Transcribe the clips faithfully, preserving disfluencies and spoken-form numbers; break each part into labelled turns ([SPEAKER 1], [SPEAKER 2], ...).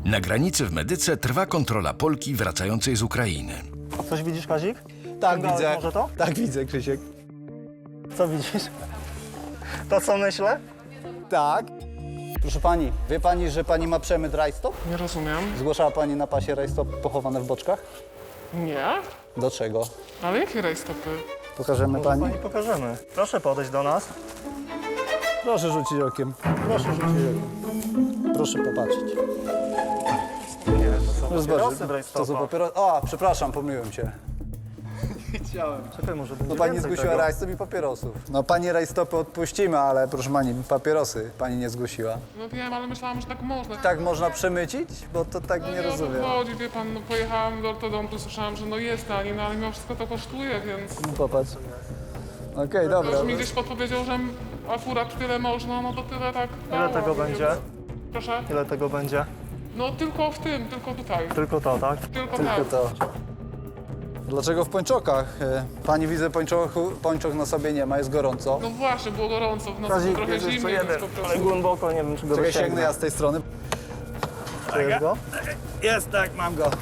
[SPEAKER 1] Na granicy w Medyce trwa kontrola Polki wracającej z Ukrainy.
[SPEAKER 2] Coś widzisz, Kazik?
[SPEAKER 3] Tak,
[SPEAKER 2] Ściągałeś
[SPEAKER 3] widzę.
[SPEAKER 2] może to?
[SPEAKER 3] Tak, widzę, Krzysiek.
[SPEAKER 2] Co widzisz? To, co myślę?
[SPEAKER 3] Tak. Proszę pani, wie pani, że pani ma przemyt rajstop?
[SPEAKER 4] Nie rozumiem.
[SPEAKER 3] Zgłaszała pani na pasie rajstop pochowane w boczkach?
[SPEAKER 4] Nie?
[SPEAKER 3] Do czego?
[SPEAKER 4] Ale jakie rajstopy?
[SPEAKER 3] Pokażemy
[SPEAKER 2] Może
[SPEAKER 3] pani?
[SPEAKER 2] pani pokażemy. Proszę podejść do nas.
[SPEAKER 3] Proszę rzucić okiem. Proszę rzucić okiem. Proszę popatrzeć.
[SPEAKER 2] Nie, to są
[SPEAKER 3] No
[SPEAKER 2] papierosy
[SPEAKER 3] zobacz,
[SPEAKER 2] w rajstopach.
[SPEAKER 3] to są papierosy. O, przepraszam, pomyliłem się.
[SPEAKER 2] Czekaj, może będzie
[SPEAKER 3] No pani
[SPEAKER 2] więcej
[SPEAKER 3] zgłosiła
[SPEAKER 2] tego.
[SPEAKER 3] rajstop i papierosów. No pani rajstopy odpuścimy, ale proszę pani, papierosy pani nie zgłosiła.
[SPEAKER 4] No wiem, ale myślałam, że tak można.
[SPEAKER 3] Tak można przemycić? Bo to tak
[SPEAKER 4] No
[SPEAKER 3] nie
[SPEAKER 4] nie o to
[SPEAKER 3] rozumiem.
[SPEAKER 4] chodzi, wie pan, no pojechałam do ortodontu, słyszałam, że no jest taniej, no ale mimo wszystko to kosztuje, więc...
[SPEAKER 3] No popatrz. Okej, dobra.
[SPEAKER 4] Już mi gdzieś podpowiedział, że akurat tyle można, no to tyle tak...
[SPEAKER 2] Ile
[SPEAKER 4] dało,
[SPEAKER 2] tego
[SPEAKER 4] więc-
[SPEAKER 2] będzie?
[SPEAKER 4] Proszę?
[SPEAKER 2] Ile tego będzie?
[SPEAKER 4] No tylko w tym, tylko tutaj.
[SPEAKER 2] Tylko to, tak?
[SPEAKER 4] Tylko,
[SPEAKER 3] Tylko
[SPEAKER 4] tak.
[SPEAKER 3] to. Dlaczego w pończokach? E, Pani widzę, pończochu, pończok na sobie nie ma, jest gorąco.
[SPEAKER 4] No właśnie, było gorąco, w nocy
[SPEAKER 2] Kazik,
[SPEAKER 4] trochę
[SPEAKER 2] jest jeszcze
[SPEAKER 4] zimniej,
[SPEAKER 2] jeden,
[SPEAKER 4] więc po
[SPEAKER 2] ale
[SPEAKER 4] prostu...
[SPEAKER 2] głęboko, nie wiem, czy go
[SPEAKER 3] Czekaj,
[SPEAKER 2] dosięgnę.
[SPEAKER 3] sięgnę ja z tej strony.
[SPEAKER 2] Czujesz go?
[SPEAKER 3] Jest, tak, mam go.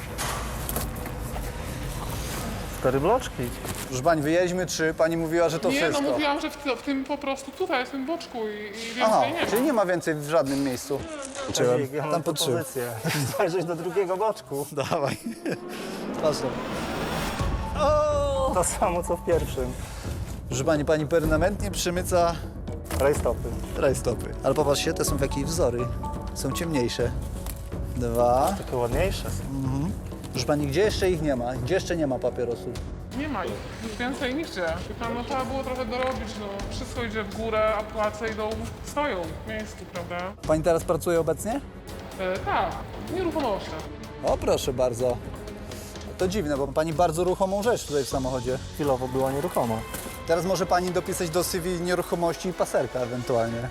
[SPEAKER 2] Cztery bloczki.
[SPEAKER 3] Proszę pani, wyjedźmy trzy, pani mówiła, że to
[SPEAKER 4] Nie,
[SPEAKER 3] wszystko.
[SPEAKER 4] no mówiłam, że w, w tym po prostu tutaj, w tym boczku i, i więcej
[SPEAKER 3] Aha,
[SPEAKER 4] nie ma.
[SPEAKER 3] czyli nie ma więcej w żadnym miejscu.
[SPEAKER 2] Kazik, ja mam
[SPEAKER 3] Tam po trzy.
[SPEAKER 2] propozycję. Zajrzeć do drugiego boczku.
[SPEAKER 3] Dawaj. Proszę.
[SPEAKER 2] To samo, co w pierwszym.
[SPEAKER 3] Proszę pani, pani permanentnie przymyca
[SPEAKER 2] Rajstopy.
[SPEAKER 3] rajstopy. Ale popatrzcie, te są w jakieś wzory. Są ciemniejsze. Dwa.
[SPEAKER 2] Takie ładniejsze są.
[SPEAKER 3] Proszę pani, gdzie jeszcze ich nie ma? Gdzie jeszcze nie ma papierosów?
[SPEAKER 4] Nie ma ich. Już więcej nigdzie. Wie pan, no trzeba było trochę dorobić, no. Wszystko idzie w górę, a płace idą, stoją w miejscu, prawda?
[SPEAKER 3] Pani teraz pracuje obecnie?
[SPEAKER 4] E, tak, w nieruchomościach.
[SPEAKER 3] O, proszę bardzo. To dziwne, bo pani bardzo ruchomą rzecz tutaj w samochodzie.
[SPEAKER 2] Chwilowo była nieruchoma.
[SPEAKER 3] Teraz może pani dopisać do C V nieruchomości i paserka ewentualnie.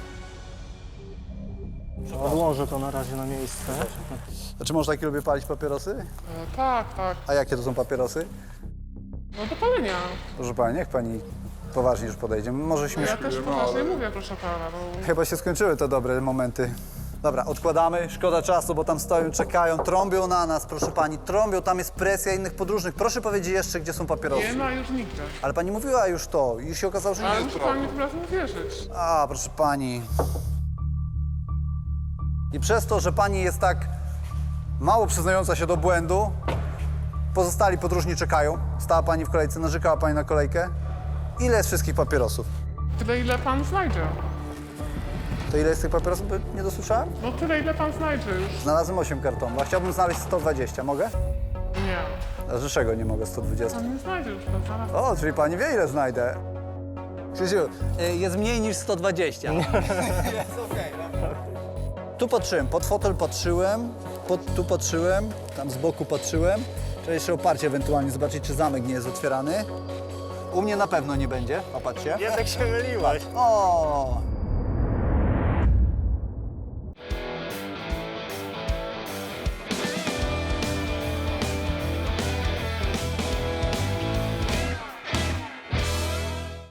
[SPEAKER 2] Odłożę to na razie na miejsce.
[SPEAKER 3] Znaczy, można taki lubię palić papierosy?
[SPEAKER 4] E, tak, tak.
[SPEAKER 3] A jakie to są papierosy?
[SPEAKER 4] No do palenia.
[SPEAKER 3] Proszę pani, niech pani poważnie już podejdzie. Może śmiesz...
[SPEAKER 4] Ja też poważnie mówię, proszę pana. No.
[SPEAKER 3] Chyba się skończyły te dobre momenty. Dobra, odkładamy, szkoda czasu, bo tam stoją, czekają, trąbią na nas, proszę pani, trąbią, tam jest presja innych podróżnych. Proszę powiedzieć jeszcze, gdzie są papierosy.
[SPEAKER 4] Nie ma już nigdzie.
[SPEAKER 3] Ale pani mówiła już to i się okazało, że nie
[SPEAKER 4] Ale
[SPEAKER 3] jest
[SPEAKER 4] musi pan mi tym razem wierzyć.
[SPEAKER 3] A, proszę pani. I przez to, że pani jest tak mało przyznająca się do błędu, pozostali podróżni czekają. Stała pani w kolejce, narzekała pani na kolejkę. Ile jest wszystkich papierosów?
[SPEAKER 4] Tyle, ile pan znajdzie.
[SPEAKER 3] To ile jest tych papierosów? By nie dosłyszałem?
[SPEAKER 4] No tyle, ile pan znajdzie już.
[SPEAKER 3] Znalazłem osiem kartonów, a chciałbym znaleźć sto dwadzieścia. Mogę?
[SPEAKER 4] Nie.
[SPEAKER 3] A dlaczego nie mogę sto dwadzieścia?
[SPEAKER 4] Pan nie znajdzie już, pan znalazł.
[SPEAKER 3] O, czyli pani wie, ile znajdę. Krzysiu, y, jest mniej niż sto dwadzieścia. Jest okej. Tu patrzyłem, pod fotel patrzyłem, pod, tu patrzyłem, tam z boku patrzyłem. Trzeba jeszcze oparcie ewentualnie zobaczyć, czy zamek nie jest otwierany. U mnie na pewno nie będzie, popatrzcie.
[SPEAKER 2] Jednak się myliłaś.
[SPEAKER 3] O,